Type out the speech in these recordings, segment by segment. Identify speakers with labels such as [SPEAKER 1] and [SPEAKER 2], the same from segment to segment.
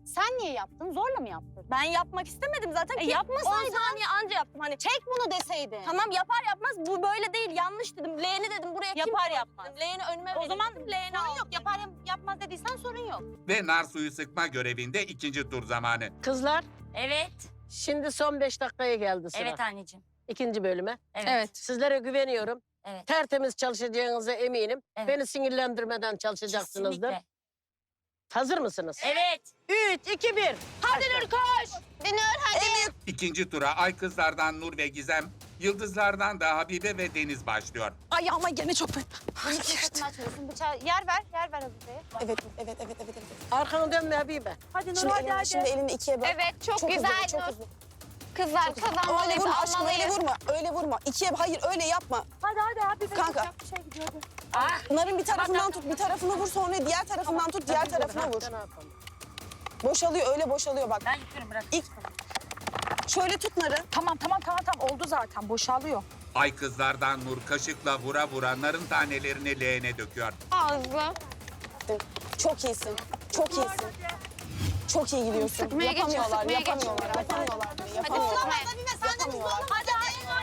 [SPEAKER 1] Sen niye yaptın? Zorla mı yaptın?
[SPEAKER 2] Ben yapmak istemedim zaten. ki
[SPEAKER 1] yapmasaydın.
[SPEAKER 2] 10 saniye anca yaptım. Hani
[SPEAKER 1] Çek bunu deseydin.
[SPEAKER 2] tamam yapar yapmaz bu böyle değil yanlış dedim. Leğeni dedim buraya kim
[SPEAKER 1] Yapar
[SPEAKER 2] koydu
[SPEAKER 1] yapmaz.
[SPEAKER 2] dedim. Leğeni önüme
[SPEAKER 1] O
[SPEAKER 2] verin
[SPEAKER 1] zaman
[SPEAKER 2] dedim. Leğeni
[SPEAKER 1] sorun
[SPEAKER 2] aldım.
[SPEAKER 1] yok. Yapar yapmaz dediysen sorun yok.
[SPEAKER 3] Ve nar suyu sıkma görevinde ikinci tur zamanı.
[SPEAKER 4] Kızlar
[SPEAKER 5] Evet.
[SPEAKER 4] şimdi son 5 dakikaya geldi sıra.
[SPEAKER 5] Evet anneciğim.
[SPEAKER 4] İkinci bölüme.
[SPEAKER 5] Evet.
[SPEAKER 4] Sizlere güveniyorum.
[SPEAKER 5] Evet.
[SPEAKER 4] Tertemiz çalışacağınıza eminim.
[SPEAKER 5] Evet.
[SPEAKER 4] Beni sinirlendirmeden çalışacaksınızdır.
[SPEAKER 5] Kesinlikle.
[SPEAKER 4] Hazır mısınız?
[SPEAKER 5] Evet.
[SPEAKER 4] 3, 2, 1.
[SPEAKER 1] Hadi Nur koş. Dönür hadi.
[SPEAKER 3] İkinci tura ay kızlardan Nur ve Gizem, yıldızlardan da Habibe ve Deniz başlıyor.
[SPEAKER 6] Ay ama gene çok
[SPEAKER 1] Bunu fırsatını açmıyorsun. Bıçağı yer ver Habibe'ye.
[SPEAKER 7] Evet.
[SPEAKER 4] Arkanı dönme Habibe.
[SPEAKER 2] Hadi
[SPEAKER 7] Şimdi elini ikiye böl.
[SPEAKER 1] Evet çok,
[SPEAKER 7] Çok
[SPEAKER 1] güzel
[SPEAKER 7] hızlı, çok
[SPEAKER 1] Nur.
[SPEAKER 7] hızlı.
[SPEAKER 1] Kızlar
[SPEAKER 7] Öyle
[SPEAKER 1] kazanmalıyız,
[SPEAKER 7] vurma aşkım, öyle
[SPEAKER 1] almalıyız.
[SPEAKER 7] vurma. Öyle vurma. İkiye, hayır öyle yapma.
[SPEAKER 2] hadi abi.
[SPEAKER 7] Kanka.
[SPEAKER 2] Bir şey gidiyor.
[SPEAKER 7] Narın bir tarafından tut, bir tarafını vur, sonra diğer tarafından tut, diğer tarafına vur.
[SPEAKER 4] Ne yapalım?
[SPEAKER 7] Boşalıyor, öyle boşalıyor bak.
[SPEAKER 5] Ben yıkıyorum bırak.
[SPEAKER 7] Şöyle tut narı.
[SPEAKER 6] Tamam oldu zaten boşalıyor.
[SPEAKER 3] Ay kızlardan Nur kaşıkla vura vura narın tanelerini leğene döküyor.
[SPEAKER 1] Ağzı.
[SPEAKER 7] Çok iyisin, çok iyisin. Çok iyi gidiyorsun.
[SPEAKER 1] Sıkmaya geçin,
[SPEAKER 7] Yapamıyorlar,
[SPEAKER 1] sıkmaya
[SPEAKER 7] yapamıyorlar,
[SPEAKER 1] geçin.
[SPEAKER 7] yapamıyorlar.
[SPEAKER 1] Hadi
[SPEAKER 7] Yapamıyorlar.
[SPEAKER 1] sıkma.
[SPEAKER 7] Yapamıyorlar.
[SPEAKER 1] Hadi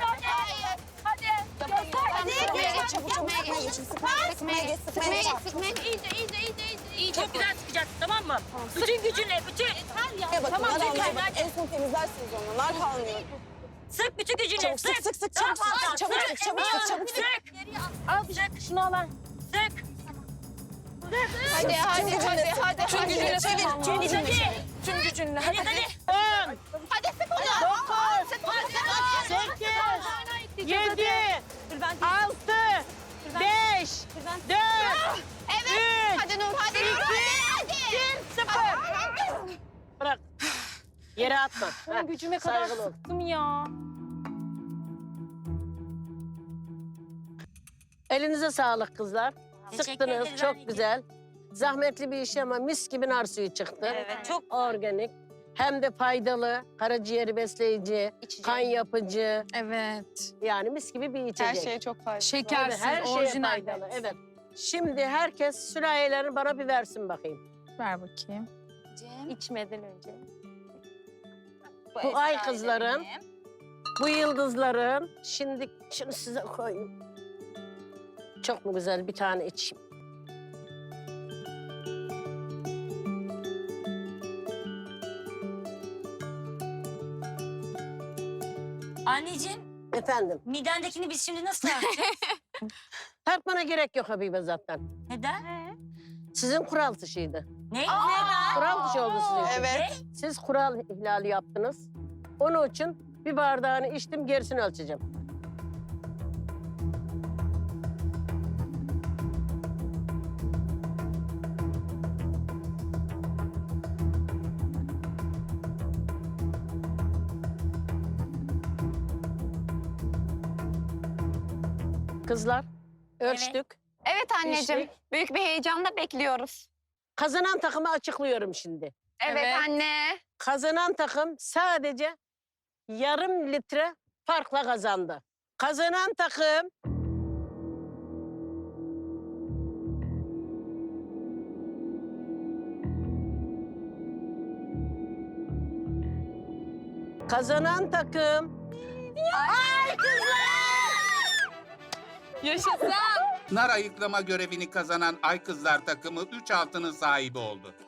[SPEAKER 7] Sıkmaya geç, çabuk sıkmaya geçin. Sıkmaya geç, sıkmaya geç.
[SPEAKER 5] İyi çok güzel sıkacaksın tamam mı? Bütün gücünle, bütün.
[SPEAKER 7] Bakın, nar almıyor. Bak, en son temizlersiniz onu. Nar kalmıyor.
[SPEAKER 5] Sık bütün gücünle.
[SPEAKER 7] Çabuk sık, sık, sık, çabuk sık, çabuk sık, çabuk sık, çabuk sık.
[SPEAKER 5] Al sık. Şunu al. Sık.
[SPEAKER 1] hadi.
[SPEAKER 7] Tüm gücünle çevir, tüm gücünle çevir.
[SPEAKER 6] Tüm gücünle.
[SPEAKER 5] Hadi.
[SPEAKER 4] 10,
[SPEAKER 1] Hadi sık onu.
[SPEAKER 4] 8, 7, 6, 5, 4,
[SPEAKER 1] Evet.
[SPEAKER 4] 3,
[SPEAKER 1] Hadi Nur hadi.
[SPEAKER 4] 0. Bırak. Yere atma. Heh,
[SPEAKER 2] Gücüme kadar
[SPEAKER 4] saygılı ol.
[SPEAKER 2] sıktım ya.
[SPEAKER 4] Elinize sağlık kızlar.
[SPEAKER 5] Teşekkür
[SPEAKER 4] Sıktınız,
[SPEAKER 5] ederiz
[SPEAKER 4] çok
[SPEAKER 5] anneciğim.
[SPEAKER 4] güzel. Zahmetli bir iş ama mis gibi nar suyu çıktı.
[SPEAKER 5] Evet çok.
[SPEAKER 4] Organik. Hem de faydalı, karaciğeri besleyici, kan yapıcı.
[SPEAKER 6] Evet.
[SPEAKER 4] Yani mis gibi bir içecek.
[SPEAKER 7] Her şeye çok faydalı.
[SPEAKER 6] Şekersiz,
[SPEAKER 4] Tabii, her şeye
[SPEAKER 6] orijinal.
[SPEAKER 4] faydalı. Evet. Şimdi herkes sürahiyelerini bana bir versin bakayım.
[SPEAKER 6] Ver bakayım.
[SPEAKER 2] İçmeden önce.
[SPEAKER 4] Bu ay kızların, bu yıldızların. Şimdi şunu size koyayım. Çok mu güzel, bir tane içeyim.
[SPEAKER 5] Anneciğim
[SPEAKER 4] Efendim,
[SPEAKER 5] midendekini biz şimdi nasıl tartacağız?
[SPEAKER 4] tartmana gerek yok Habibe zaten.
[SPEAKER 5] Neden?
[SPEAKER 4] Sizin kural dışıydı.
[SPEAKER 5] Ne? Neden?
[SPEAKER 4] Kural dışı oldu sizin için.
[SPEAKER 7] Evet.
[SPEAKER 4] Siz kural ihlali yaptınız. Onun için bir bardağını içtim, gerisini ölçeceğim. Kızlar, ölçtük.
[SPEAKER 1] Evet anneciğim.
[SPEAKER 4] İçtik.
[SPEAKER 1] Büyük bir heyecanla bekliyoruz.
[SPEAKER 4] Kazanan takımı açıklıyorum şimdi.
[SPEAKER 1] Evet,
[SPEAKER 6] Evet.
[SPEAKER 1] anne.
[SPEAKER 4] Kazanan takım sadece yarım litre farkla kazandı. Kazanan takım kazanan takım
[SPEAKER 6] Yaşasın.
[SPEAKER 3] Nar ayıklama görevini kazanan ay kızlar takımı 3 altının sahibi oldu.